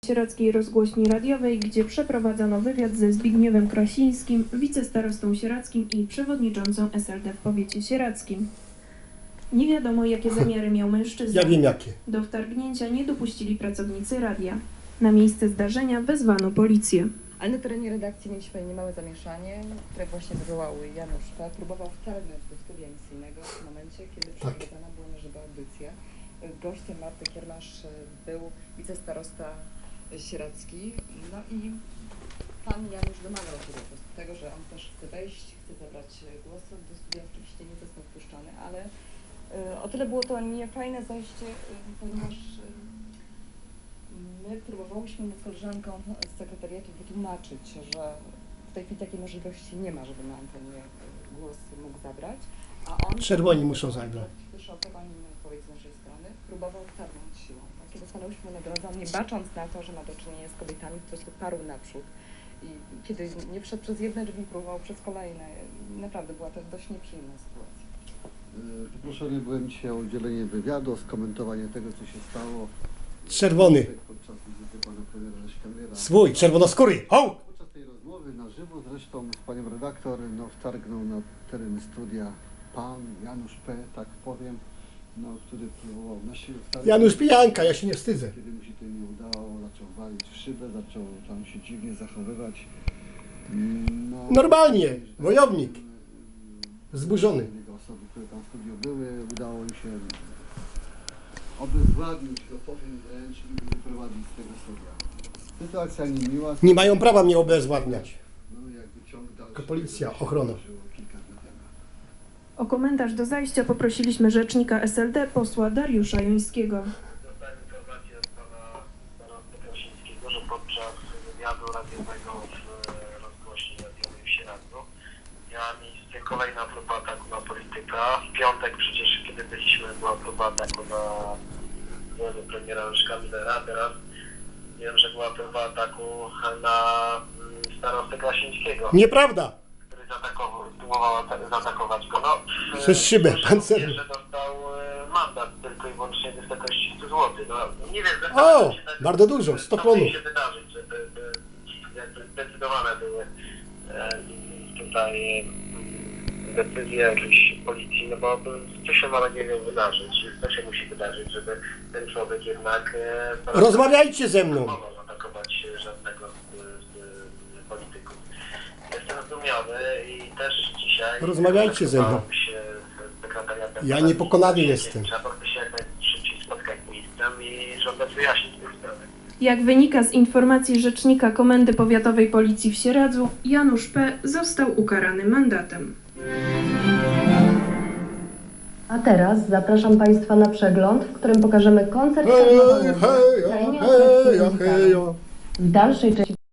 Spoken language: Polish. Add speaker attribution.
Speaker 1: Sieradzkiej Rozgłośni Radiowej, gdzie przeprowadzono wywiad ze Zbigniewem Krasińskim, wicestarostą sieradzkim i przewodniczącą SLD w powiecie sieradzkim. Nie wiadomo, jakie zamiary miał mężczyzna.
Speaker 2: Ja wiem jakie.
Speaker 1: Do wtargnięcia nie dopuścili pracownicy radia. Na miejsce zdarzenia wezwano policję.
Speaker 3: Ale na terenie redakcji mieliśmy niemałe zamieszanie, które właśnie wywołał Janusz P. Próbował wtargnąć do studia emisyjnego w momencie, kiedy przeprowadzana była na żywo audycja. Gościem Marty Kiermasz był wicestarosta sieradzki. No i pan Janusz domagał się po prostu tego, że on też chce wejść, chce zabrać głos. Do studia oczywiście nie został wpuszczany, ale o tyle było to niefajne zajście, ponieważ my próbowałyśmy z koleżanką z sekretariatu wytłumaczyć, że w tej chwili takiej możliwości nie ma, żeby na antenie głos mógł zabrać, a on...
Speaker 2: Czerwoni muszą zabrać.
Speaker 3: Wyszokował odpowiedź z naszej strony, próbował wtargnąć siłą. Kiedy stanęłyśmy na drodze, nie bacząc na to, że ma do czynienia z kobietami, po prostu parł naprzód. I kiedy nie wszedł przez jedne drzwi, próbował przez kolejne. Naprawdę była to dość nieprzyjemna sytuacja.
Speaker 4: Poproszony byłem dzisiaj o udzielenie wywiadu, o skomentowanie tego, co się stało.
Speaker 2: Czerwony.
Speaker 4: Podczas wizyty pana premiera Leszka.
Speaker 2: Swój, czerwonoskóry. Ho!
Speaker 4: Podczas tej rozmowy na żywo zresztą z panią redaktor wtargnął na teren studia pan Janusz P., tak powiem, który próbował na siłę wtargnąć.
Speaker 2: Janusz Pijanka, ja się nie wstydzę.
Speaker 4: Kiedy mu się to nie udało, zaczął walić w szybę, zaczął tam się dziwnie zachowywać.
Speaker 2: Normalnie, wojownik. Wzburzony.
Speaker 4: Osoby, które tam w studiu były, udało im się obezwładnić, go powiem wręcz, i wyprowadzić z tego studia. Sytuacja niemiła.
Speaker 2: Nie mają prawa mnie obezwładniać.
Speaker 4: Jakby ciąg dalszy.
Speaker 2: Tylko policja, ochrona.
Speaker 4: Kilka dni temu.
Speaker 1: O komentarz do zajścia poprosiliśmy rzecznika SLD, posła Dariusza Jońskiego.
Speaker 5: Dostałem informację od pana starosty Krasińskiego, że podczas wywiadu radiowego w rozgłośni radiowej w Sieradzu miała miejsce kolejna próba ataku na polityka. W piątek przecież, kiedy byliśmy, była próba ataku na głowę premiera Leszka Millera. Teraz wiem, że była próba ataku na starostę Krasińskiego,
Speaker 2: Nieprawda.
Speaker 5: który próbował zaatakować go. No,
Speaker 2: Przez szybę, pancerną.
Speaker 5: że dostał mandat tylko i wyłącznie w wysokości 100 zł. No, nie wiem,
Speaker 2: O, bardzo dużo, 100
Speaker 5: co
Speaker 2: klonów.
Speaker 5: musi się wydarzyć, żeby jakby zdecydowane były tutaj decyzje jakiejś policji, no bo co się ma nadzieję wydarzyć, co się musi wydarzyć, żeby ten człowiek jednak
Speaker 2: Rozmawiajcie ze mną.
Speaker 5: nie mogą atakować żadnego z polityków. Jestem zdumiony i też dzisiaj
Speaker 2: Rozmawiajcie ze mną.
Speaker 5: kontaktowałem się z sekretariatem.
Speaker 2: Ja niepokonany jestem.
Speaker 5: Trzeba się jak najszybciej spotkać z ministrem i żądać wyjaśnić tę sprawę.
Speaker 1: Jak wynika z informacji rzecznika Komendy Powiatowej Policji w Sieradzu, Janusz P. został ukarany mandatem.
Speaker 6: A teraz zapraszam Państwa na przegląd, w którym pokażemy koncert karnawałowy w krainie atrakcji muzykalnej. W dalszej części